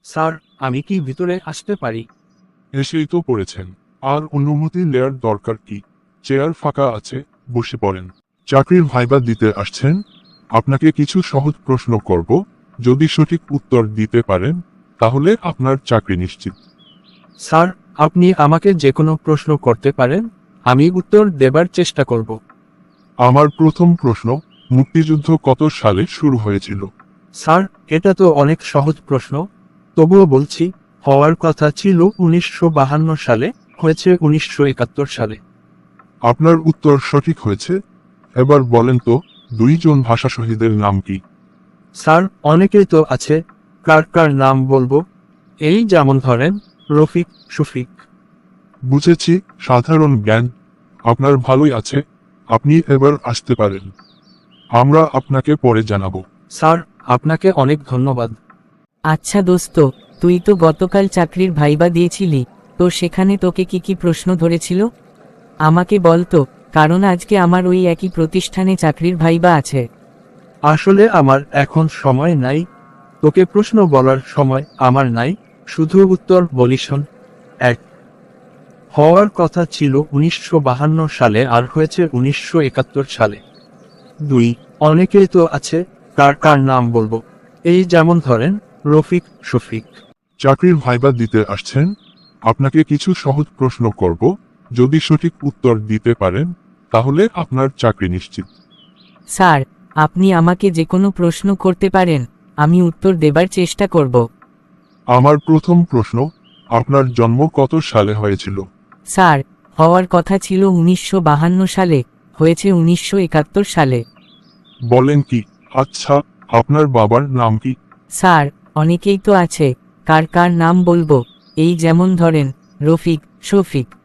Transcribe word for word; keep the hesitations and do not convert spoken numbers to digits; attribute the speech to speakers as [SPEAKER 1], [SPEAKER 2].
[SPEAKER 1] Sir, আমি কি ভিতরে আসতে পারি?
[SPEAKER 2] এসেই তো পড়েছেন, আর অনুমতি নেয়ার দরকার কি? চেয়ার ফাঁকা আছে, বসে পড়েন। চাকরির ভাইবা দিতে আসছেন? আপনাকে কিছু সহজ প্রশ্ন করব, যদি সঠিক উত্তর দিতে পারেন তাহলে আপনার চাকরি নিশ্চিত।
[SPEAKER 1] স্যার, আপনি আমাকে যে কোনো প্রশ্ন করতে পারেন, আমি উত্তর দেবার চেষ্টা করব।
[SPEAKER 2] আমার প্রথম প্রশ্ন, মুক্তিযুদ্ধ কত সালে শুরু হয়েছিল?
[SPEAKER 1] স্যার, এটা তো অনেক সহজ প্রশ্ন, তবুও বলছি, হওয়ার কথা ছিল উনিশশো বাহান্ন সালে, হয়েছে উনিশশো একাত্তর সালে।
[SPEAKER 2] আপনার উত্তর সঠিক হয়েছে। এবার বলেন তো, দুইজন ভাষা শহীদের নাম কি?
[SPEAKER 1] স্যার, অনেকেই তো আছে, কার কার নাম বলবো? এই যেমন ধরেন, রফিক, শফিক।
[SPEAKER 2] বুঝেছি, সাধারণ জ্ঞান আপনার ভালোই আছে। আপনি এবার আসতে পারেন, আমরা আপনাকে পরে জানাবো।
[SPEAKER 1] স্যার, আপনাকে অনেক ধন্যবাদ।
[SPEAKER 3] আচ্ছা দোস্ত, তুই তো গতকাল চাকরির ভাইবা দিয়েছিলি, তো সেখানে তোকে কি কি প্রশ্ন ধরেছিল আমাকে বল তো, কারণ আজকে আমার ওই একই প্রতিষ্ঠানে চাকরির ভাইবা আছে।
[SPEAKER 1] আসলে আমার এখন সময় নাই, তোকে প্রশ্ন বলার সময় আমার নাই, শুধু উত্তর বলি শোন। এক, হওয়ার কথা ছিল উনিশশো বাহান্ন সালে আর হয়েছে উনিশশো একাত্তর সালে। দুই, অনেকেই তো আছে, কার কার নাম বলবো? এই যেমন ধরেন, রফিক, শফিক।
[SPEAKER 2] চাকরির ভাইবা দিতে আসছেন? আপনাকে কিছু সহজ প্রশ্ন করব, যদি সঠিক উত্তর দিতে পারেন তাহলে আপনার চাকরি নিশ্চিত।
[SPEAKER 3] স্যার, আপনি আমাকে যে কোনো প্রশ্ন করতে পারেন, আমি উত্তর দেবার চেষ্টা করব।
[SPEAKER 2] আমার প্রথম প্রশ্ন, আপনার জন্ম কত সালে হয়েছিল?
[SPEAKER 3] স্যার, হওয়ার কথা ছিল উনিশশো বাহান্ন সালে, হয়েছে উনিশশো একাত্তর সালে।
[SPEAKER 2] বলেন কি? আচ্ছা, আপনার বাবার নাম কি?
[SPEAKER 3] স্যার, অনেকেই তো আছে, কার কার নাম বলবো? এই যেমন ধরেন, রফিক, শফিক।